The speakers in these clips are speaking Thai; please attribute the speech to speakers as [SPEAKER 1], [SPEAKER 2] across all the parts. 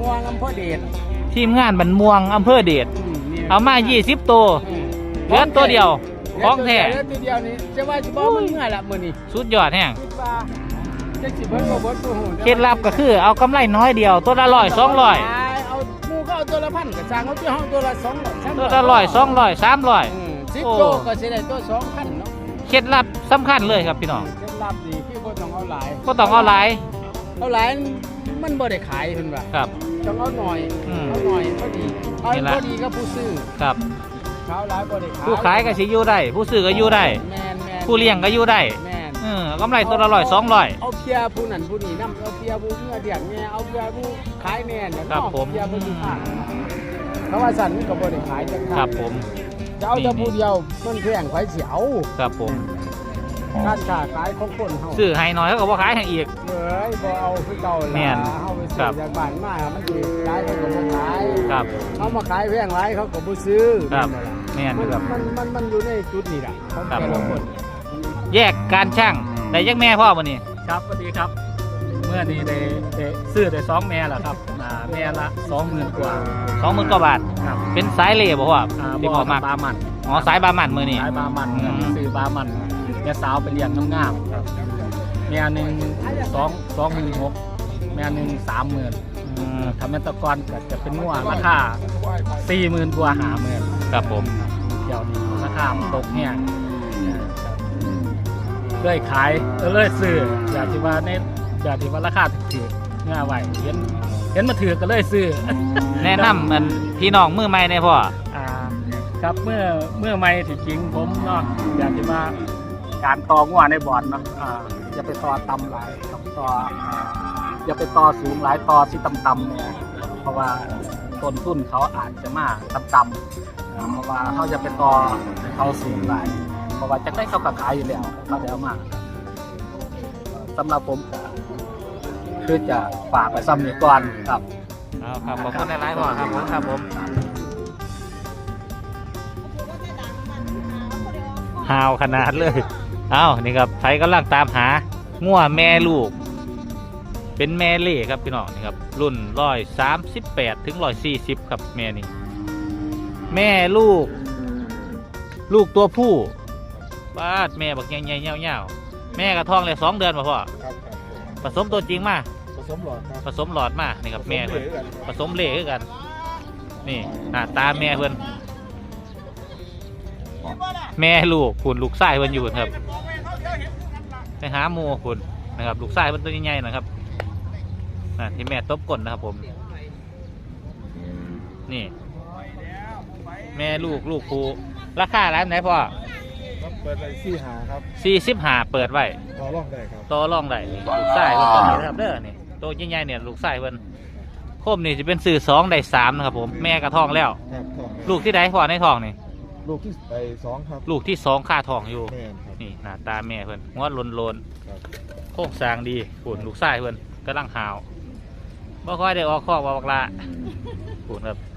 [SPEAKER 1] ม่วงอำเภอเดช
[SPEAKER 2] ทีมงานบันม่วงอำเภอเดชเอามา20ตัวเหลือตัวเดียวของแท้
[SPEAKER 1] ตัวเดียวนี่จะว่าจะบ่มันเมื่อละมื้อนี้
[SPEAKER 2] สุดยอดแห้ง
[SPEAKER 1] จะสิเบิ่งบ่เบิ่งตัวหู
[SPEAKER 2] เคล็ดลับก็คือเอากำไรน้อยเดียวตัวละ100 200
[SPEAKER 1] เอาหมู่ก็เอาตัวละ1,000ก็สร้างเอาที่ห้องตัวละ200
[SPEAKER 2] ตัวละ100 200 300
[SPEAKER 1] 10ตัวก็สิได้ตัว2,000เนาะ
[SPEAKER 2] เคล็ดลับสำคัญเลยครับพี่น้อง
[SPEAKER 1] เคล็ดลับดีคือบ่ต้องเอาหลาย
[SPEAKER 2] เอาหลาย
[SPEAKER 1] มันบ่ได้ขายเพิ่นว่า
[SPEAKER 2] ครับ
[SPEAKER 1] ต้องเอาหน่อยพอดีเอาพอดีกับผู้ซื้อ
[SPEAKER 2] ครับ
[SPEAKER 1] เขาหลายบ่ได้ขาย
[SPEAKER 2] ผู้ขายก็สิอยู่ได้ผู้ซื้อก็อยู่ได้ผู้เลี้ยงก็อยู่ได้กำไรตัวละ100 200
[SPEAKER 1] เอาเพียผู้นั้นผู้นี้นำเอาเพียผู้เมื่อเดียงแม่เอาเพียผู้ขายแม่เนี่ยเนาะเพียผู้ขายเพราะว่าสั่นก็บ่ได้ขายจัง
[SPEAKER 2] ครับผม
[SPEAKER 1] จะเอาแต่ผู้เดียวมันแพงไผสิเอา
[SPEAKER 2] ครับผม
[SPEAKER 1] การค้าขายของคนเฮา
[SPEAKER 2] ซื้อให้น้อยเขาก็บ่ขายให้อีก
[SPEAKER 1] บ่เอาคือเก่าล่ะเฮาไปซื้อจากบ้านมามันสิขายเขาก็บ่ขาย
[SPEAKER 2] ครับ
[SPEAKER 1] เฮามาขายแพงหลายเขาก็บ่ซื้อ
[SPEAKER 2] ครับแม่นครับ
[SPEAKER 1] มันอยู่ในจุดนี้ล่ะของแต่ละคน
[SPEAKER 2] แยกการช่างได้ยักแม่พ่อวันนี้
[SPEAKER 3] ครับสวัสดีครับเมื่อนี้ได้ซื้อได้2แม่แล้วครับแม่ละ20,000 กว่า
[SPEAKER 2] 20,000 กว่าบาท
[SPEAKER 3] ครับ
[SPEAKER 2] เป็นสายเล่บ่ว่า
[SPEAKER 3] ที่พ่อมาบามัน
[SPEAKER 2] สายบามันมื้อนี้
[SPEAKER 3] สายบามันซื้อบามันแม่สาวไปเลี้ยงงามๆครับแม่นึง26,000แม่นึง30,000ถ้าแม่ตะกอนก็จะเป็นงัวราคา40,000 กว่า50,000
[SPEAKER 2] ครับผม
[SPEAKER 3] เดี๋ยวนี้ราคามันตกเนี่ยเลยขายเลยซื้ออยากที่ว่าราคาถูกๆง่ายไว้เห็นมาถือก็เลยซื้อ
[SPEAKER 2] แนะนำมันพี่น้องมือใหม่ในพ่อ
[SPEAKER 3] ครับเมื่อใหม่ที่จริงผมเนาะอยากที่ว่าการต่องัวในบ่อนเนาะอย่าไปต่อต่ำหลายต่ออย่าไปต่อสูงหลายต่อที่ต่ำๆเนี่ยเพราะว่าต้นทุนเขาอาจจะมาต่ำๆเพราะว่าเขาจะไปต่อเขาสูงหลายเพราะว่าจะได้เขาขายอยู่แล้วเขาจะเอามาสำหรับผมคือจะฝากไปซ้ำนี้ก่อนครับ
[SPEAKER 2] ครับขอบคุณในไลน์พ่อครับผมฮาวขนาดเลยนี่ครับไผกำลังตามหางัวแม่ลูกเป็นแม่เล่ครับพี่น้องนี่ครับรุ่น138 ถึง 140ครับแม่นี่แม่ลูกตัวผู้ป้าแม่บักใหญ่ๆเงี้ยวๆแม่กระท้องเลย2 เดือนมาพ่อผสมตัวจริงมาผสมหลอดมานี่ครับแม่เพื่อนผสมเล่คือกันนี่หน้าตาแม่เพื่อนแม่ลูกคุณลูกไส้เพื่อนอยู่ครับไปหาโมคุณนะครับลูกไส้เพื่อนตัวใหญ่ๆนะครับที่แม่ตบก้นนะครับผมนี่แม่ลูกผู้ราคาร้านไหนพ่อ
[SPEAKER 4] เปิดไว้45ครับ
[SPEAKER 2] 45เปิดไว้
[SPEAKER 4] ต่อรองได้ครับ
[SPEAKER 2] ต่อรองได้ลูกไส้เพื่อนตัวนี้นะครับเด้อนี่ตัวใหญ่ๆเนี่ยลูกไส้เพื่อนโคมนี่จะเป็นสื่อ2ได้3นะครับผมแม่กระท้องแล้วลูกที่ใดพ่อในท้องนี่
[SPEAKER 4] ลูกที่2ครับ
[SPEAKER 2] ลูกที่2ค่าท้องอยู่นี่หน้าตาแม่เพื่อนหัวโลนโค้งสร้างดีฝุ่นลูกไส้เพื่อนกำลังหาวบ่ค่อยได้ออกคอกบอกละฝุ่นครับ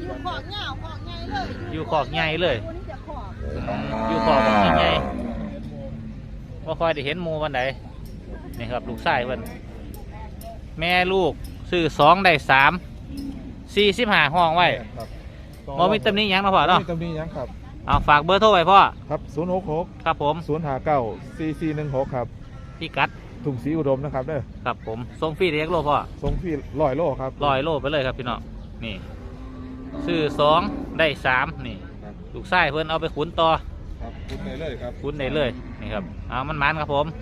[SPEAKER 2] อยู่คอกใหญ่เลยอยู่คอกใหญ่บ่ค่อยได้เห็นหมูวันไหนนี่ครับลูกไส้เพื่อนแม่ลูกซื้อ2ได้3 45ห้องไว้บ่มีตำหนิยังนะพ่อเนาะ
[SPEAKER 4] มีตำหนิยังครับ
[SPEAKER 2] ฝากเบอร์โทรไว้พ่อ
[SPEAKER 4] ครับ066
[SPEAKER 2] ครับผม
[SPEAKER 4] 059 4416ครับ
[SPEAKER 2] พี่กัด
[SPEAKER 4] ถุงสีอุดมนะครับเด้อ
[SPEAKER 2] ครับผมส่งฟรีเรียกโลพ่อ
[SPEAKER 4] ส่งฟรี100 โลครับ
[SPEAKER 2] 100 โลไปเลยครับพี่น้องนี่ซื้อ2ได้3นี่ลูกไส้เพิ่นเอาไปขุนต่อ
[SPEAKER 4] ครับขุนได้เลยครับ
[SPEAKER 2] ขุนได้เลยนี่ครับมันครับผม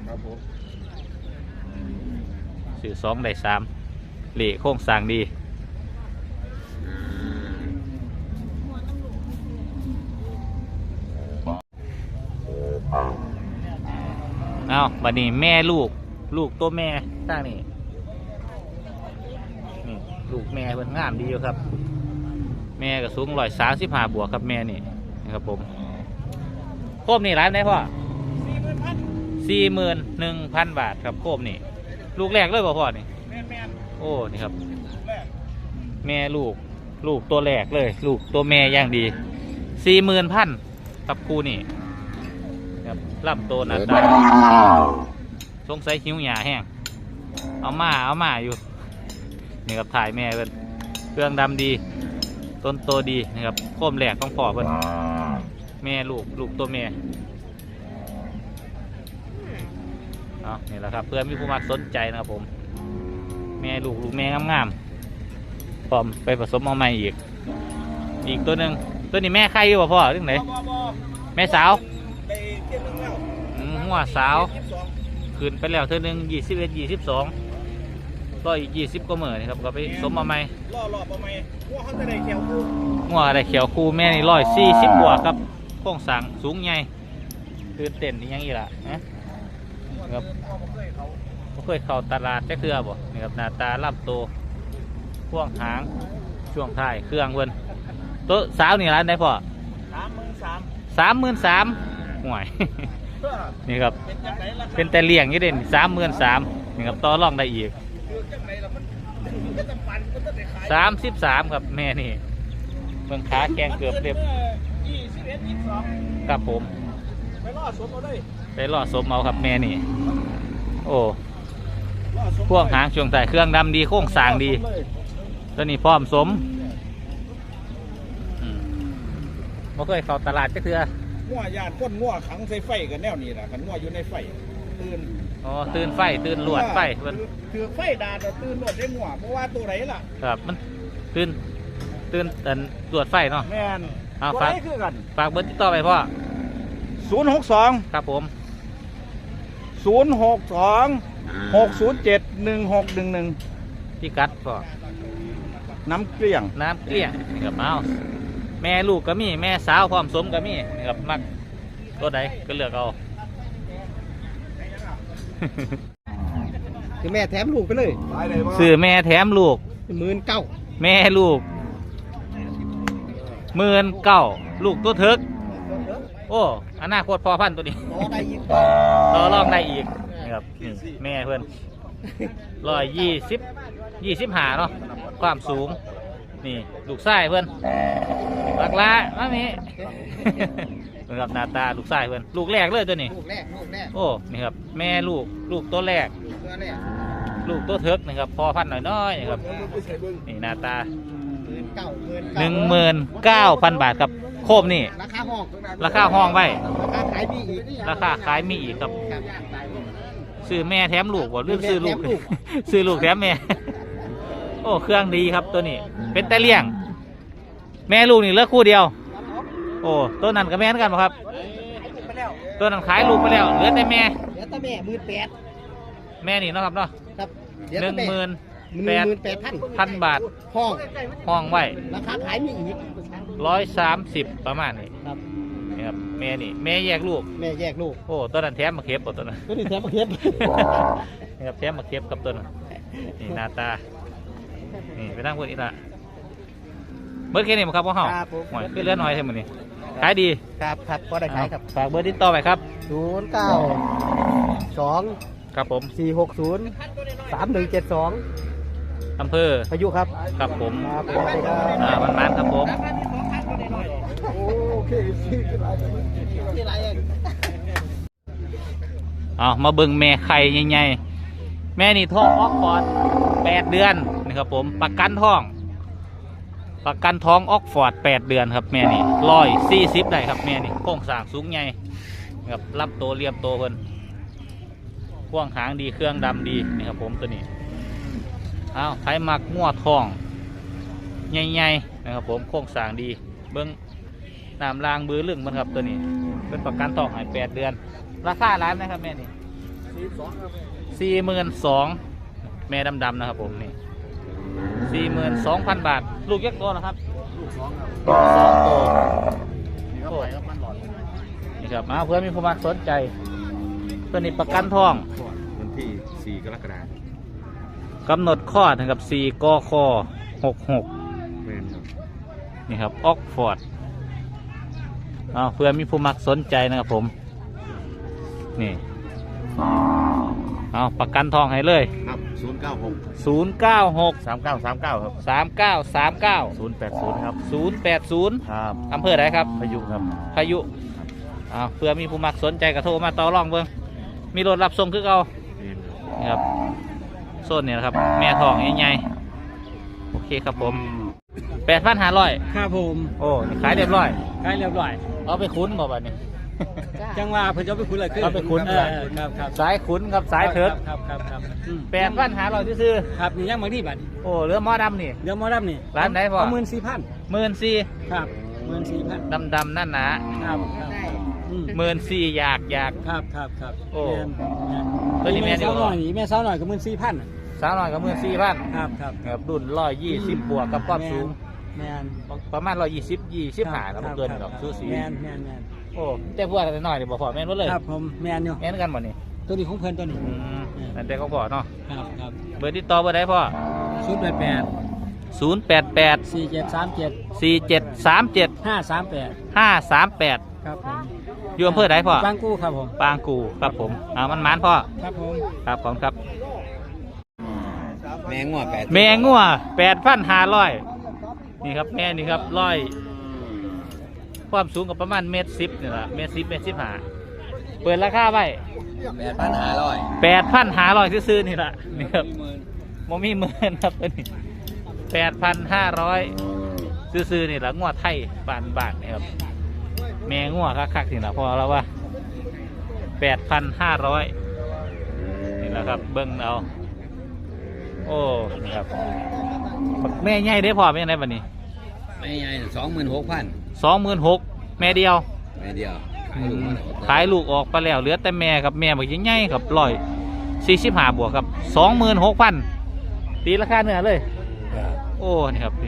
[SPEAKER 2] ซื้อ2ได้3เหล่โค้งสร้างดีบัดนี้แม่ลูกตัวแม่ตั้งนี่ลูกแม่เพิ่นงามดีอยู่ครับแม่ก็สูง135 บวกครับแม่นี่นะครับผมโคมนี่ร้านไหนพ่อ41,000 บาทครับโคมนี่ลูกแรกเลยพ่อนี่โอ้นี่ครับแม่ลูกตัวแรกเลยลูกตัวแม่ย่างดี40,000ครับคู่นี่ครับลำโตหนาตาสงสัยหิวหยาแห้งเอามาอยู่นี่ครับถ่ายแม่เป็นรื่องดำดีต้นโตดีนะครับโคมแหลกของพ่อเพิ่นแม่ลูกตัวแม่เอานี่แหละครับเพื่อนมีผู้มักสนใจนะครับผมแม่ลูกแม่งามๆพร้อมไปผสมเอาใหม่อีกตัวหนึ่งตัวนี้แม่ไข่อยู่ป่ะพ่อเรื่องไหนแม่สาวหัวสาวขึ้นไปแล้วเท่านึง21 22ก็อีก20ก็เหมือนครับก็ไปสมมาใหม่ล่อประมาณหัวเขาจะได้เขียวคู่หัวอะไรเขียวคู่แม่นี่140 บวกครับโครงสร้างสูงใหญ่ตื่นเต้นนี่ยังอีกล่ะนะครับไม่เคยเข้าตลาดแค่เครือบ่นี่ครับหน้าตาล่ำโตพ่วงหางช่วงท้ายเครื่องเพิ่นตัวสาวนี่ร้านไหนพ่อ33,000ห่วย นี่ครับเป็นแต่เลี้ยงยี่เด่น33,000นี่ครับต่อรองได้อีก33ครับแม่นี่เมืองขาแกงเกือบเรียบครับผมไปล่อสมเอาครับแม่นี่โอ้พวกหางช่วงใส่เครื่องดำดีโค้งสร้างดีตัวนี้พร้อมสมไม่เคยเข้าตลาดก็คือ
[SPEAKER 5] งัวยานก้นงัวขังใส่ไฟกันแนวนี้นะขันงัวอยู่ในไฟตื่น
[SPEAKER 2] ตื่นไฟตื่นลวดไฟมัน
[SPEAKER 5] คือไฟดาแต่ตื่นลวดได้งัวเพราะว่าตัวไหนล่ะ
[SPEAKER 2] ครับมันตื่นลวดไฟเนาะ
[SPEAKER 5] แม่น
[SPEAKER 2] ฝาก
[SPEAKER 5] คือกัน
[SPEAKER 2] ฝากเบอร์ติดต่อไปพ่อ
[SPEAKER 5] 062
[SPEAKER 2] ครับผม
[SPEAKER 5] 062-607-1611
[SPEAKER 2] พี่กัดพ่อ
[SPEAKER 5] น้ำเกลี้ยง
[SPEAKER 2] นี่ครับเอาแม่ลูกก็มีแม่สาวพร้อมสมก็มีนี่ครับมักตัวใดก็เลือกเอา
[SPEAKER 1] คือแม่แถมลูกไปเลย
[SPEAKER 2] ซื้อแม่แถมลูก
[SPEAKER 1] 19,000
[SPEAKER 2] แม่ลูก19,000ลูกตัวเถิกโอ้อนาคตพอพันตัวนี้ต่อรองได้อีกนี่ครับนี่แม่เพื่อน125เนาะความสูงนี่ลูกไส้เพื่อนหลักละมามีเหมือนกับหน้าตาลูกไส้เพื่อนลูกแรกเลยตัวนี้
[SPEAKER 1] ลูกแรก
[SPEAKER 2] โอ้นี่ครับแม่ลูกตัวแรกลูกตัวเถิกนะครับพอพันน้อยๆครับนี่หน้าตา19,000 บาทครับโคมนี่ราคาห้องไว้ราคาขายมีอีกครับซื้อแม่แถมลูกบ่ลืมซื้อลูกซื้อลูกแถมแม่โอ้เครื่องดีครับตัวนี้เป็นแต่เลี้ยงแม่ลูกนี่เลือกคู่เดียวโอ้ตัวนั้นกับแม่กันป่ะครับตัวนั้นขายลูกไปแล้วเหลือแต่แม่
[SPEAKER 1] 18,000
[SPEAKER 2] แม่นี่เนาะครับเนาะ18,000 บาทห้องไว้
[SPEAKER 1] ราคาขายมีอีก
[SPEAKER 2] 130ประมาณนี้ครับนี่ครับแม่นี่แม่แยกลูกโอ้ตัวนั้นแถมมาเก็บตัวนั้น
[SPEAKER 1] ตัวนี้แถมมาเก็บ
[SPEAKER 2] นี่ครับแถมมาเก็บกับตัวนั้นนี่หน้าตานี่ไปนั่งบนอีกละเบอร์แค่นี้มั้งครับพ่อเฮาหน่อยขึ้นเลื่อนหน่อยเท่านี้ขายดี
[SPEAKER 1] ครับก็ได้ขายครับ
[SPEAKER 2] ฝากเบอร์ติดต่อไปครับ
[SPEAKER 1] 092
[SPEAKER 2] ครับผม
[SPEAKER 1] 460-3172
[SPEAKER 2] อำเภอ
[SPEAKER 1] พายุครับ
[SPEAKER 2] ครับผมมันครับผมมาเบิ่งแม่ไข่ใหญ่ๆแม่นี่ท้องออกฟอร์ด8 เดือนนะครับผมประกันท้องออกฟอร์ด8 เดือนครับแม่นี่140ได้ครับแม่นี่โครงสร้างสูงใหญ่ครับรับโตเรียบโตเพิ่นพ่วงหางดีเครื่องดำดีนี่ครับผมตัวนี้ไถมักงัวทองใหญ่ๆนะครับผมโครงสร้างดีเบิ้งน้ำรางบือลึงมันครับตัวนี้เป็นประกันท้องให้8 เดือนราคาร้านนะครับแม่นี่42,000แม่ดำๆนะครับผมนี่42,000 บาทลูกยักษ์โตนะครับลูก2 โตนี่ครับเพื่อนมีผู้มาสนใจตัวนี้ประกันทอง
[SPEAKER 4] วันที่4 กรกฎาคม
[SPEAKER 2] กำหนดข้อถึงกับ4 กค66นี่ครับออกฟอร์ดเพื่อนมีผู้มักสนใจนะครับผมนี่ประกันทองให้เลย
[SPEAKER 4] ครับ
[SPEAKER 2] 096
[SPEAKER 4] 3939ครับ
[SPEAKER 2] 3939
[SPEAKER 4] 080ครับ
[SPEAKER 2] 080
[SPEAKER 4] ครับ
[SPEAKER 2] อำเภอไหนครับ
[SPEAKER 4] พายุครับ
[SPEAKER 2] พายุเพื่อมีผู้มักสนใจกระโทรมาต่อรองเบิ่งมีรถรับส่งคือเอานี่ครับโซนนี่นะครับแม่ทองใหญ่ๆโอเคครับผม8,500
[SPEAKER 3] ครับผม
[SPEAKER 2] โอ้นี่ขายเรียบร้อย
[SPEAKER 3] ใกล้เรียบร้อย
[SPEAKER 2] เอาไปคุ้นบ่บัดนี้
[SPEAKER 3] จังว่าเพิ่นจะไปคุ้นอะไรขึ้น
[SPEAKER 2] เอาไปคุ้น
[SPEAKER 3] ครับครับ
[SPEAKER 2] สายคุ้นกับสายเถิด
[SPEAKER 3] ครับ
[SPEAKER 2] 8,500ซื่อ
[SPEAKER 3] ครับนี่ยังบางที่บัด
[SPEAKER 2] ๆโอ้เรือหม้อดำนี่
[SPEAKER 3] เดี๋ยวหมอรับนี่
[SPEAKER 2] ร้านไหนพ่อ
[SPEAKER 3] 14,000
[SPEAKER 2] 14,000
[SPEAKER 3] ครับ14,000
[SPEAKER 2] ดำนั่นนะ
[SPEAKER 3] ครับ
[SPEAKER 2] 14,000อยาก
[SPEAKER 3] ครับ
[SPEAKER 2] โอ้
[SPEAKER 3] แม่น
[SPEAKER 2] ตัวนี้แม่
[SPEAKER 3] แม่
[SPEAKER 2] ดี
[SPEAKER 3] สาว
[SPEAKER 2] ก
[SPEAKER 3] หน่
[SPEAKER 2] ว่า
[SPEAKER 3] อยนี่แม่สาวหน่อยก็14,000
[SPEAKER 2] สาวน้อยกับ14,000
[SPEAKER 3] ครับ
[SPEAKER 2] ครับรุ่น120บวกกับความสูง
[SPEAKER 3] แม่น
[SPEAKER 2] ประมาณ125แล้วบ่เกินดอกสูสี
[SPEAKER 3] แม่น
[SPEAKER 2] โอ้แต่พวกแต่น้อยนี่บ่พอแม่นหมดเลย
[SPEAKER 3] ครับผมแม่นอยู่
[SPEAKER 2] แม่นกันบ่นี่
[SPEAKER 3] ตัวนี้ของเพิ่นตัวนี้
[SPEAKER 2] นั่นแต่เขาพอเนาะ
[SPEAKER 3] ครับ
[SPEAKER 2] เบอร์ติดต่อเบอร์ใดพ่อ
[SPEAKER 3] 088
[SPEAKER 2] 088
[SPEAKER 3] 4737
[SPEAKER 2] 4737
[SPEAKER 3] 538
[SPEAKER 2] 538
[SPEAKER 3] ครับผม
[SPEAKER 2] อยู่อำเภอใดพ่อบ
[SPEAKER 3] างกู้ครับผม
[SPEAKER 2] ปางกูครับผมมันมันพ่อ
[SPEAKER 3] ครับผม
[SPEAKER 2] ครับขอบคุณครับ
[SPEAKER 1] แมงงัว8
[SPEAKER 2] แม่งัว8,500นี่ครับแม่นี่ครับความสูงกับประมาณ1.10นี่แหละ1.10 1.15เปิดราคาไว้ 8,500ซื้อๆนี่แหละนี่ครับโมมีหมื่นครับตัวนี้8,500ซื้อๆนี่แหละงัวไทยบ้านนี่ครับแม่งัวคักๆนี่แหละพอแล้วว่า8,500นี่แหละครับเบิ้งเอาโอ้นี่ครับแม่ใหญ่ได้พอแม่ไหนบัดนี้
[SPEAKER 1] ไม่ใหญ่26,000
[SPEAKER 2] 26,000แม่เดียว
[SPEAKER 1] แม่เดียว
[SPEAKER 2] ขายลูกออกไปแล้วเหลือแต่แม่ครับแม่บอกยังไงครับ145บวกครับ26,000ตีราคาเนื้อเลยโอ้นี่ครับ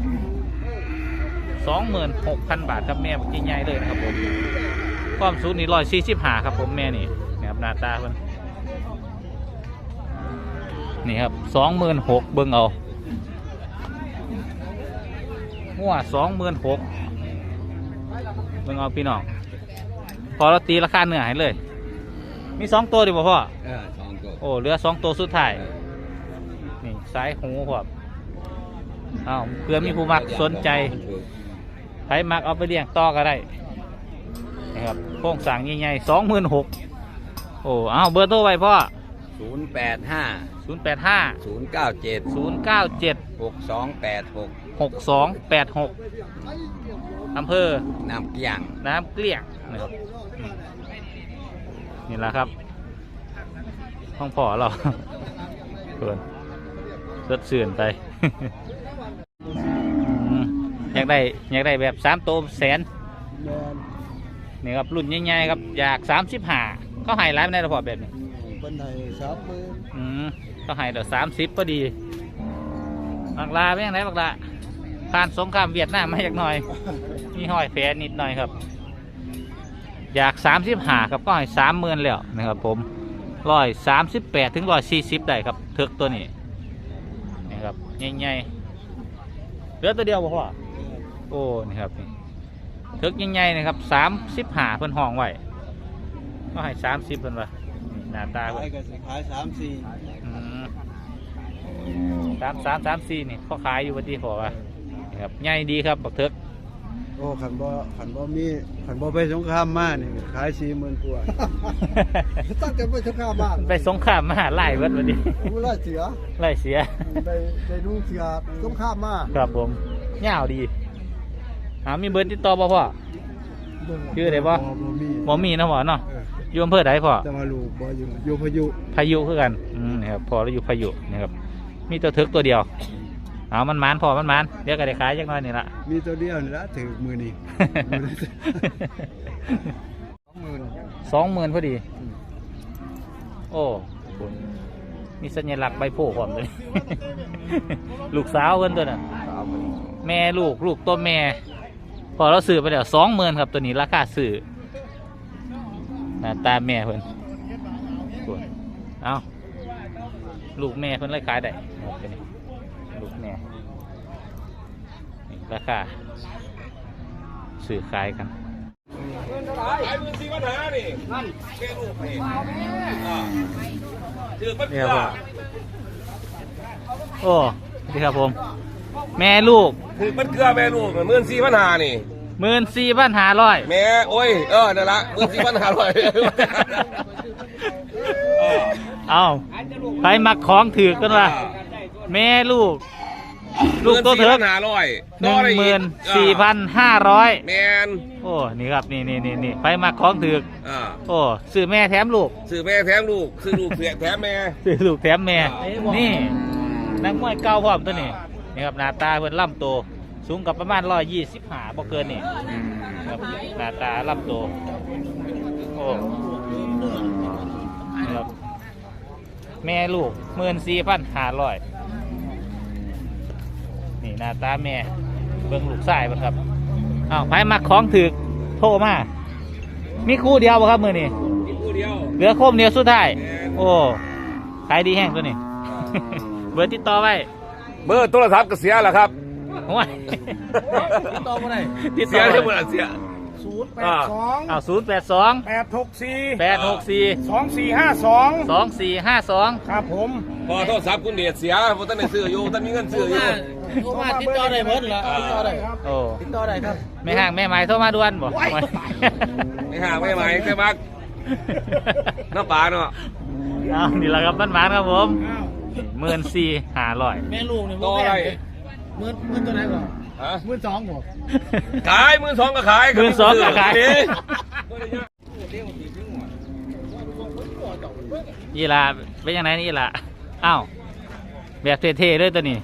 [SPEAKER 2] 26,000 บาทครับแม่บอกยังไงเลยนะครับผมความสูงนี่145ครับผมแม่นี่ครับหน้าตาเพิ่นนี่ครับ26,000เบิ่งเอาหัว26,000เบิ่งเอาพี่น้องพอเราตีราคาเนื้อให้เลยมี2ตัวดิบ่พ่อ
[SPEAKER 1] 2ตัว
[SPEAKER 2] โอ้เหลือ2ตัวสุดท้ายนี่สายหูครับเพื่อมีผู้มักสนใจใครมักเอาไปเลี้ยงต่อก็ได้นะครับโครงสร้างใหญ่ๆ26,000โอ้เบอร์โทรไว้พ่อ
[SPEAKER 1] 085
[SPEAKER 2] 085
[SPEAKER 1] 097
[SPEAKER 2] 097
[SPEAKER 1] 6286
[SPEAKER 2] 6286อำเภอ
[SPEAKER 1] น้ำเกียง
[SPEAKER 2] น้ำเกลี้ยงนะครับนี่แหละครับห้องพ่อเราเกินสดชื่นไป อยากได้แบบ3 ตัวแสนนี่ครับรุ่นใหญ่ๆครับอยาก35เขาให้ร้านได้หรือเปล่าแบบนี้
[SPEAKER 3] คนไทย30,000
[SPEAKER 2] เขาให้เดี๋ยว30พอดีบักลาเป็นยังไงบักลาผ่านสงครามเวียดนามมาจากหน่อยมีห้อยแผลนิดหน่อยครับอยาก35ครับก็ให้30,000แล้วนะครับผม138ถึง140ได้ครับเทือกตัวนี้นี่ครับใหญ่ๆเหลือตัวเดียวบ่พ่อโอ้นี่ครับนี่เทือกใหญ่ๆนะครับ35เพิ่นห้องไว้ก็ให้30เพิ่นว่าหน้าตาเพิ่น
[SPEAKER 3] ขาย
[SPEAKER 2] 3334นี่เขาขายอยู่วันที่พอว่านี่ครับใหญ่ดีครับบักเทือก
[SPEAKER 3] โอ้ขันบ่ไปสงครามมานี่ขาย40,000กว่าตั้งแต่ไปสงครามมา
[SPEAKER 2] ไปสงครามมาไล่เบิดวันนี้
[SPEAKER 3] ไล่เสีย
[SPEAKER 2] ไล่เสีย
[SPEAKER 3] ได้ดูเสียสงครามมา
[SPEAKER 2] ครับผมยาวดีมีเบอร์ติดต่อบ่พ่อชื่ออะไรบ่บ่มีนะพ่อเนาะอยู่อำเภอใดพ่อ
[SPEAKER 3] จะมาลูกบ่อยู่พายุ
[SPEAKER 2] พายุคือกันนะครับพอเราอยู่พายุนะครับมีตัวทึกตัวเดียวมันมานพอมันมานเดี๋ยวก็ได้ขายจักหน่อยนี่ละ
[SPEAKER 3] มีตัวเดียวนี่ละถือมือนี่
[SPEAKER 2] 20,000พอดีโอ้คุณมีสัญลักษณ์ใบโพธิ์พร้อมเลย ลูกสาวเพิ่นตัวน่ะแม่ลูกตัวแม่พอเราซื้อไปแล้ว20,000ครับตัวนี้ราคาซื้อหน้าตาแม่เพิ่นลูกแม่เพิ่นเลยขายได้ลูกแม่ราคาซื้อขายกัน
[SPEAKER 5] ขาย14,500นี่นั่นแค่ลูกนี่ถือมันเกลือ
[SPEAKER 2] โอ้ดีครับผมแม่ลูก
[SPEAKER 5] ถือมันเกลือแม่ลูก14,500นี่
[SPEAKER 2] 14,500
[SPEAKER 5] แม่โอ้ยนั่นละ14,500
[SPEAKER 2] ไปมักของถือกันว่าแม่ลูกลูกตัวเถิก
[SPEAKER 6] 14,500
[SPEAKER 2] 14,500
[SPEAKER 6] แมน
[SPEAKER 2] โอ้นี่ครับนี่ไปมาของถือก โอ้ซื้อแม่แถมลูก
[SPEAKER 6] ซื้อแม่แถมลูกซื้อลูกแถมแม่
[SPEAKER 2] ซื้อลูกแถมแม่นี่นักมวยเก่าพร้อมตัวนี้นี่ครับหน้าตาเพิ่นล่ำโตสูงกับประมาณ125บ่เกินนี่ครับหน้าตาล่ำโตโอ้นี่ครับแม่ลูก14,500นี่หน้าตาแม่เบิ่งลูกชายบ่ครับอ้าวไปมาของถือกโทรมามีคู่เดียวบ่ครับมื้อนี้
[SPEAKER 6] มีคู่เดียว
[SPEAKER 2] เหลือโคมเดียวสุดท้ายโอ้ขายดีแห้งตัวนี้ เบอร์ติดต่อไว้
[SPEAKER 6] เบอร์โทรศัพท์ก็เสียแล้วครับ
[SPEAKER 2] โอ้ย
[SPEAKER 1] ติดต่อมาได้
[SPEAKER 2] ติด
[SPEAKER 6] เสี
[SPEAKER 2] ต่
[SPEAKER 6] ย
[SPEAKER 2] อ
[SPEAKER 6] ได้
[SPEAKER 2] ไว้
[SPEAKER 6] หมดเสีย
[SPEAKER 5] 082
[SPEAKER 2] อ้าว082 864
[SPEAKER 5] 2452
[SPEAKER 2] 2452
[SPEAKER 5] ครับผม
[SPEAKER 6] พอโทรศัพท์คุณเดชเสียเพราะท่านได้ซื้ออยู่ท่านมีเงินซื้ออยู่
[SPEAKER 1] โทรมาติดต่อได้หมดเหรอติดต่อได้ครับ
[SPEAKER 2] โอ้
[SPEAKER 1] ติดต่อได้ครับ
[SPEAKER 2] แม่ห่างแม่ไม้โทรมาด่วนบ่
[SPEAKER 6] ไม่ห่างไม่ไหวแค่มักน้ำปลาเนาะ
[SPEAKER 2] เอานี่แหละครับบ้านๆครับผม14,500
[SPEAKER 1] แม่ลูกนี่
[SPEAKER 6] ต่ออะไร
[SPEAKER 1] หมื่นตัวไหนก่อน
[SPEAKER 6] ฮะ
[SPEAKER 1] 12,000บ่
[SPEAKER 6] ขาย12,000ก็ขาย
[SPEAKER 2] 12,000ก็ขาย ยี่ลาเป็นยังไงนี่ล่ะอ้าวแบบเท่ๆเลยตัวนี้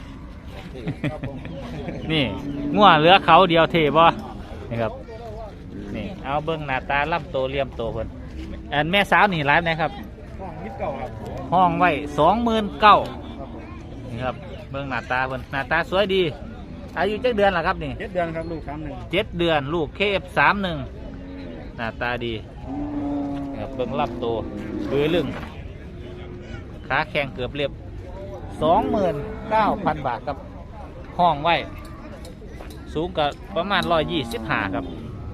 [SPEAKER 2] นี่ง่วเหลือเขาเดียวเท่บ่นี่ครับนี่เอาเบิ้งหน้าตาล่ำโตเลี่ยมโตเพิ่นอันแม่สาวนี่ร้านไหนครับห้องไว้29,000นี่ครับเบิ้งหน้าตาเพิ่นหน้าตาสวยดีอายุจักเดือนล่ะครับนี่
[SPEAKER 3] 7 เดือนครับลูก31
[SPEAKER 2] 7 เดือนลูก KF31 หน้าตาดีครับเบิ้งล่ำโตเบือลึงขาแข็งเกือบเรียบ 29,000 บาทครับห้องไว้สูงกับประมาณ125ครับ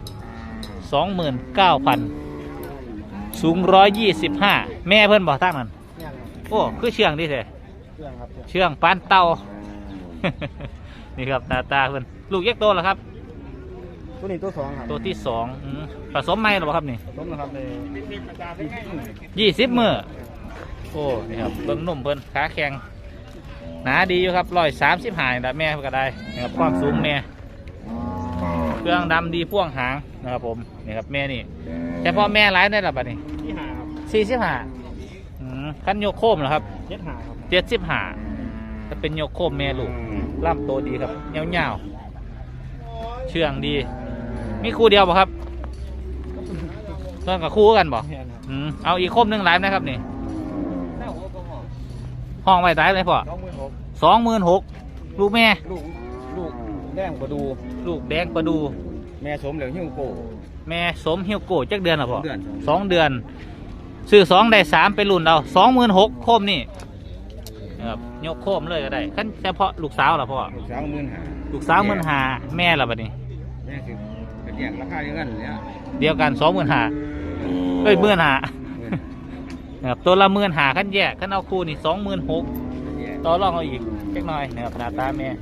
[SPEAKER 2] 29,000 สูง125แม่เพิ่นบอกทั้งนั้นโอ้คือเชื่องดิเถอะเชื่องปานเต่า นี่ครับตาตาเพิ่นลูกเยกโตแล้วครับ
[SPEAKER 3] ตัวนี้ตัว2ครับ
[SPEAKER 2] ตัวที่2ผสมไหมหรือเปล่าครับนี่
[SPEAKER 3] สมนะครับใน
[SPEAKER 2] 20 มื้อโอ้นี่ครับเบิ่งนุ่มเพิ่นขาแข็งหนาดีอยู่ครับ135แบบแม่ก็ได้นะครับความสูงแม่เครื่องดำดีพ่วงหางนะครับผมนี่ครับแม่นี่แต่พอแม่ร้ายได้หรือเปล่านี่
[SPEAKER 3] ที่5ครับ
[SPEAKER 2] 45คันโยกโคมเหรอครับ
[SPEAKER 3] 75ครับ
[SPEAKER 2] 75ถ้าเป็นโยกโคมแม่ลูกล่ำโตดีครับเงาๆเชื่องดี มีคู่เดียวป่ะครับต้องกับคู่กันบ่เอาอีกโคมหนึงหลายนะครับนี่ห้องไว้ได้ไหมพ่อ26,000ลูกแม่
[SPEAKER 5] ลูกแดงประดู
[SPEAKER 2] ลูกแดงประดู
[SPEAKER 5] แม่สมเหลืองหิ้วโก
[SPEAKER 2] แม่สมเฮียวโกจักเดือนหรอพ่อ
[SPEAKER 5] เดือน
[SPEAKER 2] 2 เดือนซื้อ2ได้3ไปรุ่นเอา26,000โคมนี่นะครับยกโคมเลยก็ได้ขั้นเฉพาะลูกสาวเหรอพ่อ
[SPEAKER 5] ลูกสาว15,000
[SPEAKER 2] ลูกสาว15,000แม่ละบัดนี้
[SPEAKER 5] แม่คือเป็นอย่างราคาเดียวกันเนี่ย
[SPEAKER 2] เดียวกัน25,000เอ้ย15,000นะครับตัวละ15,000ขั้นแยกขั้นเอาคู่นี่26,000ต่อรองเอาอีกเล็กน้อยนะครับหน้าตาแม่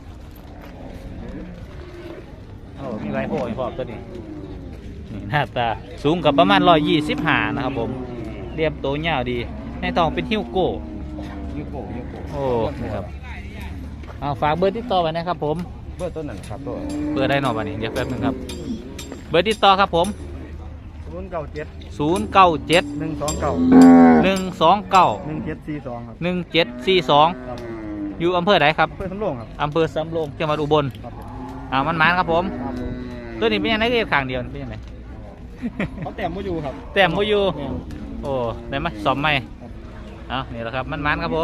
[SPEAKER 2] โอ้มีไรโผล่ให้พ่อตัวนี้นี่หน้าตาสูงกับประมาณ125นะครับผมเรียบโตยาวดีในท้องเป็นฮิ้วโก้
[SPEAKER 5] หิ้วโก
[SPEAKER 2] โอ้นะครับเอาฝากเบอร์ติดต่อไว้นะครับผม
[SPEAKER 5] เบอร์ต้นนั่นครับตัว
[SPEAKER 2] เบอร์ได้หน่อยวันนี้เดี๋ยวแป๊บนึงครับเบอร์ติดต่อครับผม
[SPEAKER 3] 097
[SPEAKER 2] 097
[SPEAKER 3] 129
[SPEAKER 2] 129
[SPEAKER 3] 1742ครับ
[SPEAKER 2] 1742อยู่อำเภอไหนครับ
[SPEAKER 3] เพื่อนสำโรงครับ
[SPEAKER 2] อำเภอสำโรงจังหวัดอุบล
[SPEAKER 3] ครับผม
[SPEAKER 2] มันมันครับผม
[SPEAKER 3] ครับผม
[SPEAKER 2] ตัวนี้เป็นยังไงก็ข้างเดียวเป็นยังไง
[SPEAKER 3] เขาแต้มบ่อยู่ครับ
[SPEAKER 2] แต้มบ่อยู่
[SPEAKER 3] แม่น
[SPEAKER 2] โอ้ได้ไหมสอมไหมเอานี่แหละครับมันมันครับผม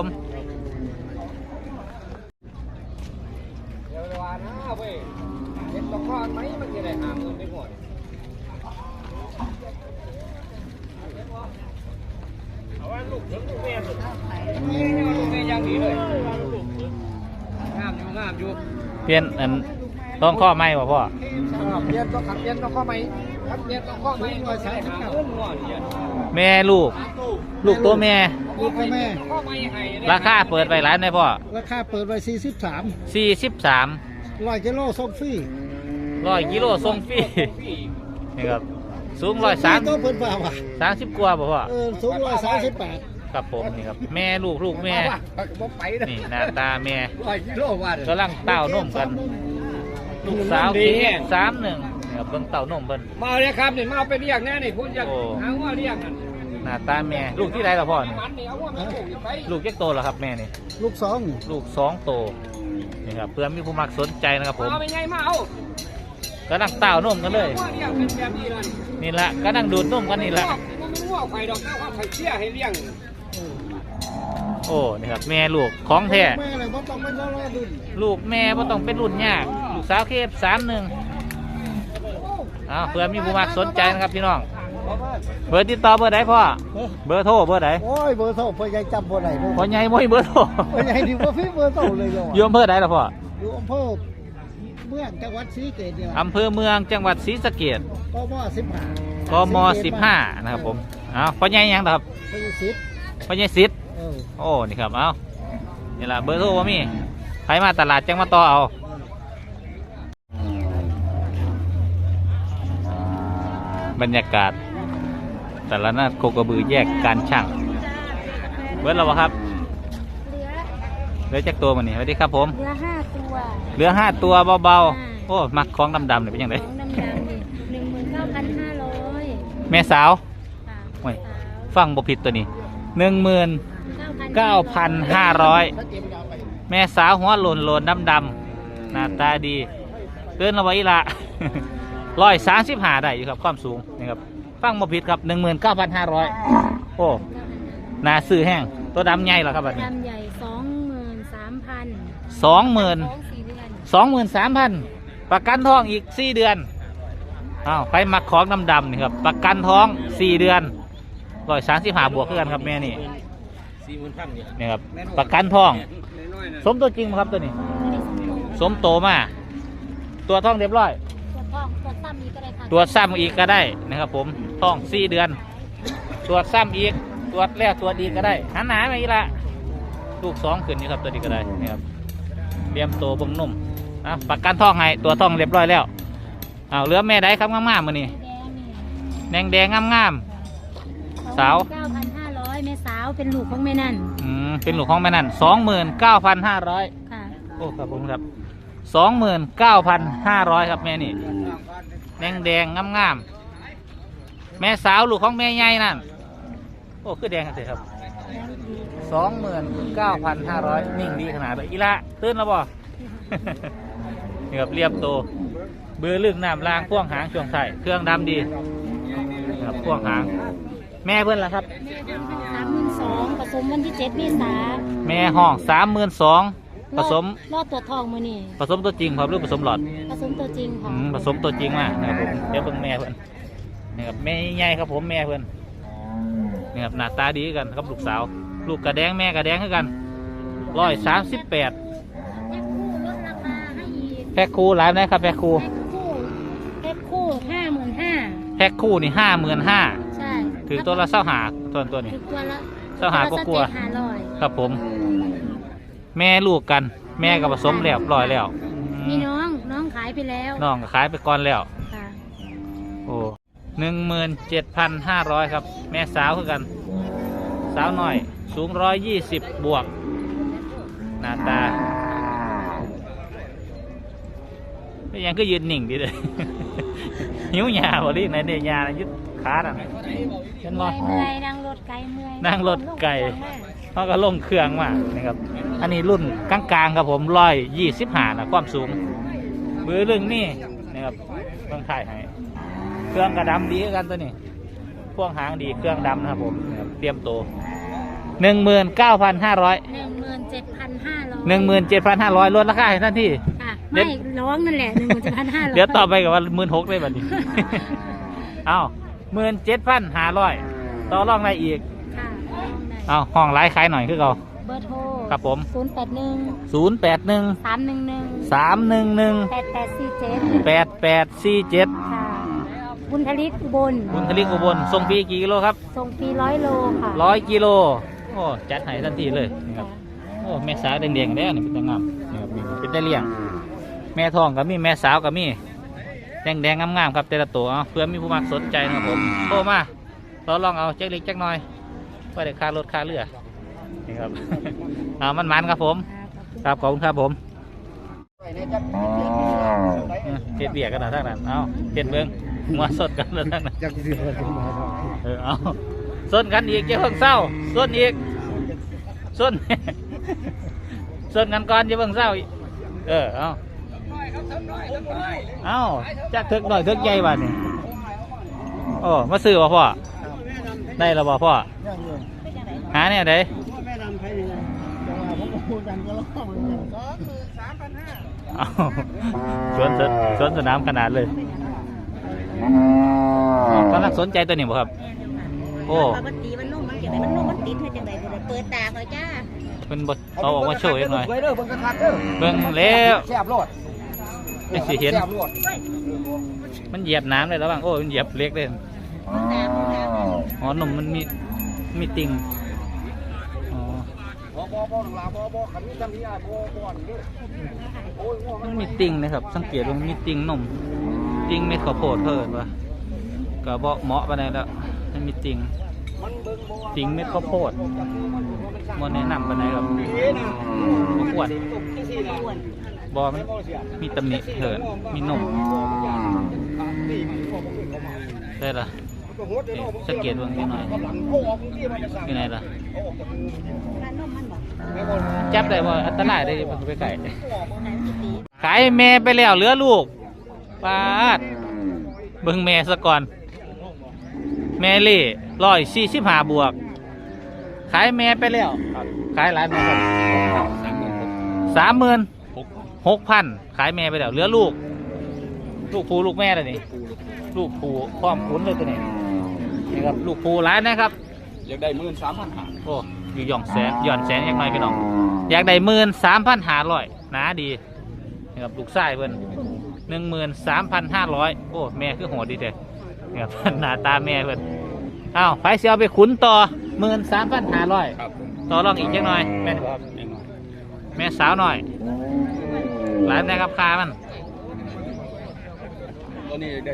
[SPEAKER 1] เดี๋ยวว่านะเว้ยเห็นตะคอนไหมมันจะได้50,000ได้หมดเอาว่าลูกถึงลูกแม่สุดลูกแม่ยังดีเลยงามอยู่
[SPEAKER 2] เปลี่ยนอันต้องข้อไหมบ่พ่อ
[SPEAKER 1] เรียนต้องขับเรียนต้องข้อไหมครับเรียนต้องข้อไหมหน่วยสายขับเงินหน่วยเรียน
[SPEAKER 2] แม่ลูกตัวแม่
[SPEAKER 1] ลูกแม่
[SPEAKER 2] ราคาเปิดไปร้านได้พ่อ
[SPEAKER 1] ราคาเปิดไว้43
[SPEAKER 2] 43
[SPEAKER 1] 100 กิโลส่งฟรี
[SPEAKER 2] 100 กิโลส่งฟรีนี่ครับสูง
[SPEAKER 1] ตัวเพิ่นว่าว่ะ
[SPEAKER 2] 130กว่าบ่พ่อ
[SPEAKER 1] สูง138
[SPEAKER 2] ครับผมนี่ครับแม่ลูกแม่
[SPEAKER 1] บ่ไปนะ
[SPEAKER 2] นี่หน้าตาแม่
[SPEAKER 1] 100 กิโลว่า
[SPEAKER 2] กำลังเต้านมกัน ลูกสาวเค้ก31นี่ครับเบิ่งเต้านมเพิ่น
[SPEAKER 6] มาเลยครับนี่มาเอาไปเรียกแน่นี่พูดจะหาว่าเรียกนั่น
[SPEAKER 2] หน้าตาแม่ลูกที่ใดล่ะพ่อนี่
[SPEAKER 6] มันนี่เอาว่ามันโกงไป
[SPEAKER 2] ลูกจักโตแล้วครับแม่นี่
[SPEAKER 1] ลูกสอง
[SPEAKER 2] ลูก2โตนี่ครับเพื่อมีผู้มักสนใจนะครับผม
[SPEAKER 6] เอาไปไงมาเอา
[SPEAKER 2] กำลังเต้านมกันเลย
[SPEAKER 6] ว่าเรียกเป็นแบบนี้เลย
[SPEAKER 2] นี่ละกำลังดูดนมกันนี่ละ
[SPEAKER 6] มันไม่ว่าใครดอกแต่ว่าใครเชี่ยให้เลี้ยง
[SPEAKER 2] โอ้นี่ครับแม่ลูกของแท้
[SPEAKER 1] แม่เลยบ่ต้องไปรอดุน
[SPEAKER 2] ลูกแม่บ่ต้องเป็นรุ่นยากลูกสาวเคฟ31เพื่อมีผู้มักสนใจนะครับพี่น้องเบอร์ติดต่อเบอร์ใดพ่อเบอร์โทรเบอร์ใด
[SPEAKER 1] โอ้ยเบอร์โทรพ่อใหญ่จำบ่ได้บ่
[SPEAKER 2] พ่อใหญ่บ่มีเบอร์โทร
[SPEAKER 1] พ่อใหญ่นี่บ่มีเบอร์โทรเลยเหรอ
[SPEAKER 2] อยู่อำเภอใดล่ะพ่อ
[SPEAKER 1] อยู่อำเภอเมืองจังหวัดศรีสะเกษเนี่ย
[SPEAKER 2] อำเภอเมืองจังหวัดศรีสะเกษ
[SPEAKER 1] กม15
[SPEAKER 2] กม15นะครับผมพ่อใหญ่ยังครับ
[SPEAKER 1] พ่อใหญ่สิทธิ์
[SPEAKER 2] พ่อใหญ่สิทธิ์
[SPEAKER 1] เออ
[SPEAKER 2] โอ้นี่ครับนี่ล่ะเบอร์โทรบ่มีใครมาตลาดจังมาต่อเอาบรรยากาศแต่ละนาดโคกระบือแยกการช่างเบิร์ดเราบ่ครับเหลือจักตัวมันนี่สวัสดีครับผม
[SPEAKER 7] เหลือ5 ตัว
[SPEAKER 2] เหลือ5 ตัวเบาๆโอ้มักของดำๆเนี่ยเป็นยังไง
[SPEAKER 7] ของดำๆนี่19,500
[SPEAKER 2] แม่สาว
[SPEAKER 7] ค่ะ
[SPEAKER 2] โอ้ยฟังบ่ผิดตัวนี้ 19,500 แม่สาวหัวโลนดำๆหน้าตาดีเกินเราไว้ละ 135ได้อยู่ครับความสูงนี่ครับฟังบ่ผิดครับ 19,500 โอ้หน้าซื้อแห้งตัวดำใหญ่เหรอครับบัดนี้
[SPEAKER 7] ดำใหญ่ 23,000
[SPEAKER 2] 20,000
[SPEAKER 7] ท้อง4 เดือน
[SPEAKER 2] 23,000 ประกันท้องอีก4 เดือนใครมักของดำๆนี่ครับประกันท้อง4 เดือน135บวกกันครับแม่นี่
[SPEAKER 6] 40,000เนี่ย
[SPEAKER 2] นี่ครับประกันท้องสมตัวจริงไหมครับตัวนี้
[SPEAKER 7] ไม่ได้สมโต
[SPEAKER 2] สมโตมาตัวท้องเรียบร้อย
[SPEAKER 7] ตรวจท้องตรวจซ้ำอีกก็ได้ค่ะ
[SPEAKER 2] ตรวจซ้ำอีกก็ได้นะครับผมท้อง4 เดือนตรวจซ้ำอีกตรวจแล้วตรวจอีกก็ได้หันหนาไปอีกละลูก2ขึ้นนี่ครับตัวนี้ก็ได้นี่ครับเตรียมโตบ่งนุ่มประกันท้องให้ตัวท้องเรียบร้อยแล้วเหลือแม่ได้ครับงามๆมือนี่
[SPEAKER 7] แดงนี่
[SPEAKER 2] แดงงามสาว
[SPEAKER 7] 9,500 แม่สาวเป็นลูกของแม่นั่น
[SPEAKER 2] เป็นลูกของแม่นั่น29,500
[SPEAKER 7] ค่ะ
[SPEAKER 2] โอ้ครับผมครับ29,500ครับแม่นี่แดงงามแม่สาวลูกของแม่ใหญ่นั่นโอ้คือแดงกันเถอะครับ29,500นิ่งดีขนาดเลยอีละตื่นแล้วบ่ นี่ครับเรียบโตเบือลึกน้ำล่างพ่วงหางช่วงไส้เครื่องดำดีครับพ่วงหางแม่เพื่อนล่ะครับ
[SPEAKER 7] 32,000ผสมวันที่7 เมษายน
[SPEAKER 2] แม่ห้อง32,000ผสม
[SPEAKER 7] รอดตัวทองมื้อนี้
[SPEAKER 2] ผสมตัวจริงครับหรือผสมหลอด
[SPEAKER 7] ผสมตัวจริงค่ะ
[SPEAKER 2] ผสมตัวจริงมากนะครับผมเดี๋ยวเบิ่งแม่เพื่อนนี่ครับแม่ใหญ่ครับผมแม่เพื่อนนี่ครับหน้าตาดีกันครับลูกสาวลูกกระแดงแม่กระแดงคือกัน138
[SPEAKER 7] แพ็คคู่ลดราคาให้อีก
[SPEAKER 2] แพ็คคู่หลายนะครับแพ็คคู่
[SPEAKER 7] แพ็คคู่ 55,000
[SPEAKER 2] แพ็คคู่นี่55,000
[SPEAKER 7] ใช่
[SPEAKER 2] ถือตัวละ25ตัวนี้
[SPEAKER 7] ถือตัวละ
[SPEAKER 2] เจ้าหาก็กลัว
[SPEAKER 7] 500
[SPEAKER 2] ครับผม แม่ลูกกัน แม่ก็ผสมแล้วร้อยแล้ว
[SPEAKER 7] มีน้องขายไปแล้ว
[SPEAKER 2] น้องก็ขายไปก่อนแล้ว
[SPEAKER 7] ค่ะ
[SPEAKER 2] โอ้17,500ครับ แม่สาวคือกัน สาวหน่อย สูง120บวกหน้าตาไม่ยังก็ยืนหนิ่งดีเลย หิวหยาบ่ดิไหนเนี่ยหยายึดขาน่ะเห็นบ่
[SPEAKER 7] เมื่อยนั่งรถไกลเมื่อย
[SPEAKER 2] นั่งรถไก่เขาก็ลงเครื่องมานี่ครับ อันนี้รุ่นกลางๆครับผม125นะความสูงเบือเรื่องนี่นะครับต้องถ่ายให้เครื่องกระดำดีกันตัวนี้พ่วงหางดีเครื่องดำนะครับผมนะครับเตรียมโต19,500
[SPEAKER 7] 17,500
[SPEAKER 2] ลดราคาให้ท่านที่
[SPEAKER 7] ค่ะไม่ร้องนั่นแหละ17,500
[SPEAKER 2] เดี๋ยวต่อไปกับว่า16,000เลยบัดนี้ เอา17,500ต่อรองได้อีก
[SPEAKER 7] ค่ะร้องได้
[SPEAKER 2] เอาห้องไลฟ์ขายหน่อยคือเรา
[SPEAKER 7] เบอร์โทร
[SPEAKER 2] ครับผม
[SPEAKER 7] 081 311 8847
[SPEAKER 2] 8847
[SPEAKER 7] ค่ะบุญทลิกอุบล
[SPEAKER 2] บุญทลิกอุบลส่งฟรีกี่กิโลครับ
[SPEAKER 7] ส่งฟรี100 โลค่ะ
[SPEAKER 2] 100 กิโลโอ้จัดให้ทันทีเลยนี่ครับโอ้แม่สาวแดงๆแล้วนี่เป็นตางามนี่ครับนี่เป็นได้เลี้ยงแม่ทองก็มีแม่สาวก็มีแดงๆงามๆครับแต่ละตัวเพื่อมีผู้มักสนใจนะครับผมโทรมาเราลองเอาแจ็คเล็กแจ็คน้อยว่าได้ค่ารถค่าเรือนี่ครับ เอามันครับผมครับขอบคุณครับผมเฮ็ดเบียกกันนะทั้งนั้นเอาเฮ็ดเบิ้งหัวสดกันแล้วทั้งนั้นเอาส้นกันอีกเจ้าเพิ่งเศร้าส้นอีกส้น ส้นกันก่อนเจ้าเพิ่งเศร้าเอาจักถึกหน่อยถึกใหญ่บ้านนี่โอ้มาซื้อบ่พ่อได้แล้วบ่พ่อหาเนี่ยเด้สวนสนามขนาดเลยกำลังสนใจตัวนี้บ่ครับโอ้
[SPEAKER 7] ปกติมันนุ่มมันจังไดมันนุ่มมันติดให้จังไดบ่ได้เปิดตาเขาจ้า
[SPEAKER 2] เป็นบทเอาออกมาโชว์อีกหน่อย
[SPEAKER 1] เบิ่งกระทัดเด้อ
[SPEAKER 2] เบิ่งแล้ว
[SPEAKER 1] แซ่บโลด
[SPEAKER 2] ไม่สิเห็น
[SPEAKER 1] แซ่บโลด
[SPEAKER 2] มันเหยียบน้ำเลยแล้วบ้างโอ้มันเหยียบเล็กเลยอ๋อหนุ่มมันมีติ่งอ๋อ
[SPEAKER 1] บ่หลาบ่คันนี้จำที่อ้ายบ่อนเด้อโอ้ย
[SPEAKER 2] มันมีติ่งนะครับสังเกตว่ามีติ่งหนุ่มติ่งเม็ดข้าวโพดเพิ่นวะก็บ่เหมาะปานใดแล้วมันมีติ่งเม็ดข้าวโพดบ่แนะนำปานใดครับบ่ควรบ่มันมีตำหนิเถินมีหนุ่มได้ละสังเกตเบิ่งนิดหน่อยอยู่ไหนล่ะจับได้ว่าอันตรายได้มันไปไก่ขายแม่ไปแล้วเหลือลูกปาดเบิ่งแม่ซะก่อนแม่เล่145 บวกขายแม่ไปแล้วขายหลายแม่ครับ36,000ขายแม่ไปแล้วเหลือลูกผูลูกแม่เลยนี่ลูกผูพร้อมขุนเลยตัวนี้นี่ครับลูกผูหลายนะครับ
[SPEAKER 5] อยากได้13,500
[SPEAKER 2] โอ้อยู่หย่อนแสนยังไงพี่น้องอยากได้13,500หนาดีนี่ครับลูกไส้เพิ่น13,500โอ้แม่คือโหดดีเด้นี่ครับ หน้าตาแม่เพิ่นอ้าวไฟเสียเอาไปขุนต่อ13,500
[SPEAKER 5] ครับ
[SPEAKER 2] ต่อรองอีกจังหน่อยแม่นครับแม่สาวหน่อยหลายนะครับคามัน
[SPEAKER 5] ตัวนี้ได้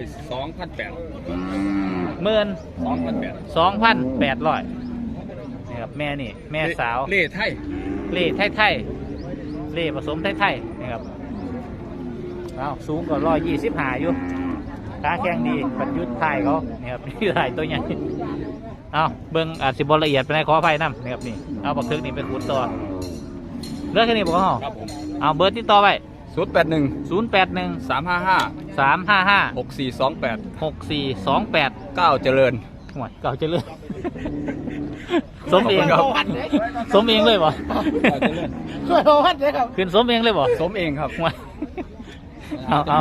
[SPEAKER 2] 2,800นี่ครับแม่นี่แม่สาว
[SPEAKER 5] เล่ไทย
[SPEAKER 2] เล่ไทยเล่ผสมไทยนี่ครับเอาสูงกว่า125อยู่ขาแข็งดีปัดยุทธไทยเขานี่ครับนี่ไทยตัวใหญ่เอาเบิ้งอาจสิบละเอียดไปในขอไฟน้ำนี่ครับนี่เอาบักทึกนี่เป็นขุนต่อเลือกแค่นี้บอกเขา
[SPEAKER 5] ครับผม
[SPEAKER 2] เอาเบอร์ที่ต่อไป
[SPEAKER 5] 081 355
[SPEAKER 2] 355
[SPEAKER 5] 6428
[SPEAKER 2] 6428
[SPEAKER 5] 9เจริญ
[SPEAKER 2] ห่วยเก่าจะเลือกสมเองสมเองเลยบ่
[SPEAKER 1] ช่วยเอาพัดเลยครับ
[SPEAKER 2] ขึ้นสมเองเลยบ่
[SPEAKER 5] สมเองครับ
[SPEAKER 2] ห่วยเอา